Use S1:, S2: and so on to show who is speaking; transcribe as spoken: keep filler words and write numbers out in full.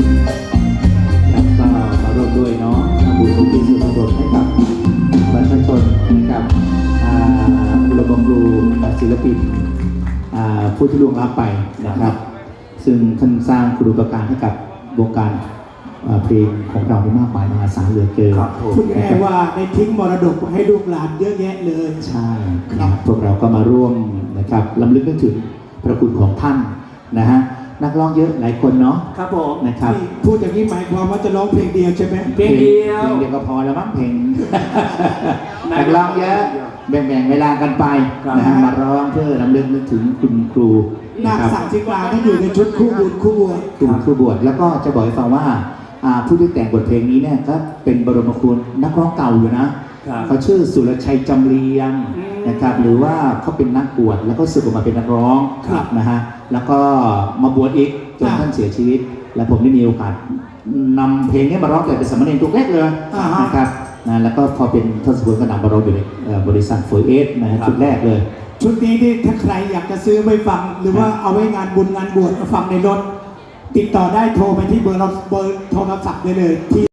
S1: แล้วก็มาร่วมด้วยเนาะทำบุญอุทิศส่วนกุศลให้กับประชาชนนะครับบุรุษบำรุงศิลปินผู้ที่ล่วงลับไปนะครับซึ่งท่านสร้างคุณูปการให้กับวงการเพลงของเราได้มากมายมหาศาลเหลือเกิน
S2: พูดง่ายๆว่าได้ทิ้งมรดกให้ลูกหลานเยอะแยะเลย
S1: ใช่ครับพวกเราก็มาร่วมนะครับรำลึกนึกถึงพระคุณของท่านนะฮะนักร้องเยอะหลายคนเนาะ
S2: ครับผม
S1: นะครับ
S2: พูดอย่างนี้หมายความว่าจะร้องเพลงเดียวใช่ไหม
S1: เพลงเดียวเพลงเดียวก็พอแล้วมั้งเพลงนักร้องเยอะแบ่งๆเวลากันไปนะฮะมาร้องเพื่อรำลึกนึกถึงคุณครู
S2: นักสังศิกาที่อยู่ในชุดคู่บุญคู่บวช
S1: คู่บวชแล้วก็จะบอกให้ฟังว่าผู้ที่แต่งบทเพลงนี้เนี่ยก็เป็นบรมครูนักร้องเก่าอยู่นะเขาชื่อสุรชัยจำเรียงนะครับหรือว่าเขาเป็นนักบวชแล้วก็สึกออกมาเป็นนักร้องนะฮะแล้วก็มาบวชอีกจนท่านเสียชีวิตและผมได้มีโอกาสนำเพลงนี้มาร้องแต่เป็นสามเณรตัวแรกเลยนะครับนะแล้วก็พอเป็นทศพลก็นำมาร้องอยู่ในบริษัทโฟร์เอสนะฮะชุดแรกเลย
S2: ชุดนี้ที่ถ้าใครอยากจะซื้อไปฟังหรือว่าเอาไว้งานบุญงานบวชฟังในรถติดต่อได้โทรไปที่เบอร์เบอร์โทรศัพท์ได้เลยที่